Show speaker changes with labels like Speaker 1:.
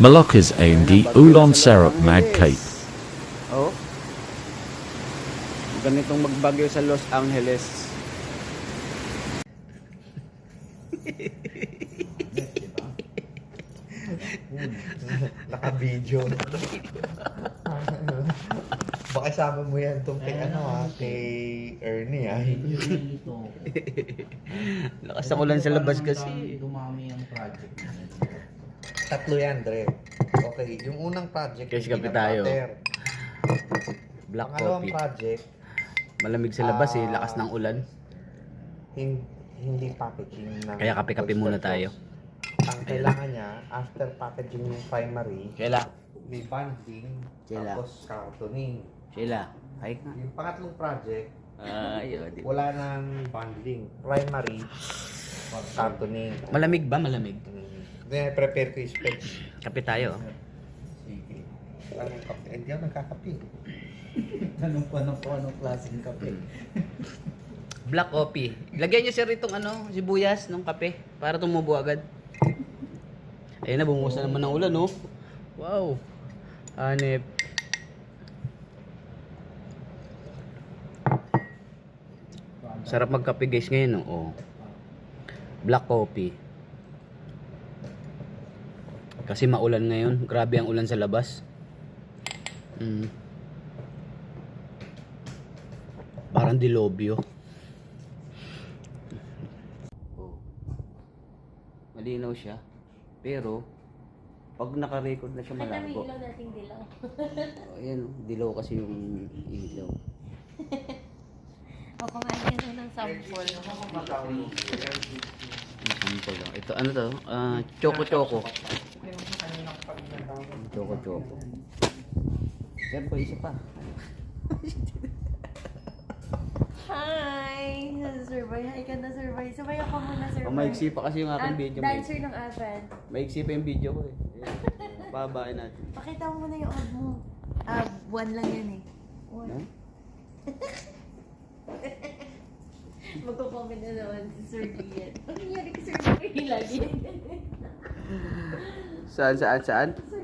Speaker 1: Malacca's AMD Oolong Syrup Mag Cape.
Speaker 2: Oh. Ganitong magbagyo sa Los Angeles.
Speaker 3: Naka-video. Baka sama mo yan itong kay kay Ernie
Speaker 2: Lakas ako lang sa labas kasi.
Speaker 4: Dumami ang project.
Speaker 3: Tatlo yan, Dre. Okay, yung unang project,
Speaker 2: Cash
Speaker 3: hindi
Speaker 2: kape
Speaker 3: na
Speaker 2: tayo.
Speaker 3: butter.
Speaker 2: Black
Speaker 3: Pangalawang
Speaker 2: coffee.
Speaker 3: project,
Speaker 2: Malamig sa labas eh, lakas ng ulan.
Speaker 3: hindi packaging ng
Speaker 2: Kaya kape-kape muna tayo.
Speaker 3: Ang kailangan niya, after packaging yung primary,
Speaker 2: Sheila,
Speaker 3: may bonding,
Speaker 2: Sila.
Speaker 3: tapos cartooning.
Speaker 2: Sheila, hi ka.
Speaker 3: Yung pangatlong project,
Speaker 2: Ayun, di ba?
Speaker 3: wala nang bonding. Primary, cartooning.
Speaker 2: Malamig ba? Malamig.
Speaker 3: Then, prepare ko yung specs.
Speaker 2: Kape tayo.
Speaker 3: Sige. Anong kape? Hindi ako nagkakape.
Speaker 4: Anong klaseng kape?
Speaker 2: Black coffee. Lagyan niyo sir itong sibuyas ng kape para tumubo agad. Ayun na, bumuhos na naman ng ulan, no? Wow. Hanep. Sarap magkape guys ngayon, no? Oh. Black coffee. Kasi maulan ngayon. Grabe ang ulan sa labas. Parang dilobyo. Oh. Malinaw siya. Pero, pag naka-record na siya
Speaker 5: Ay, dami
Speaker 2: malabo.
Speaker 5: ilaw nating dilaw.
Speaker 2: Oh, ayan, dilaw kasi yung ilaw.
Speaker 5: O, kumain ka na ng sample.
Speaker 2: Sample lang. Ito, ano to? Choco-choco. Choco-choco. Sir, pa isa pa.
Speaker 5: Hi! Survey. Hi ka na, survey. Sabay ako muna, survey.
Speaker 2: Maiksi pa kasi yung aking video.
Speaker 5: Dancer ng Advent.
Speaker 2: Maiksi pa yung video ko eh. Pababain natin.
Speaker 5: Pakita mo muna yung ab mo. One lang yan eh. One.
Speaker 2: Huh?
Speaker 5: Magko-comment na naman si Sir Ian. Ang nangyari kay Sir Ian lagi.
Speaker 2: Saan?
Speaker 5: Sir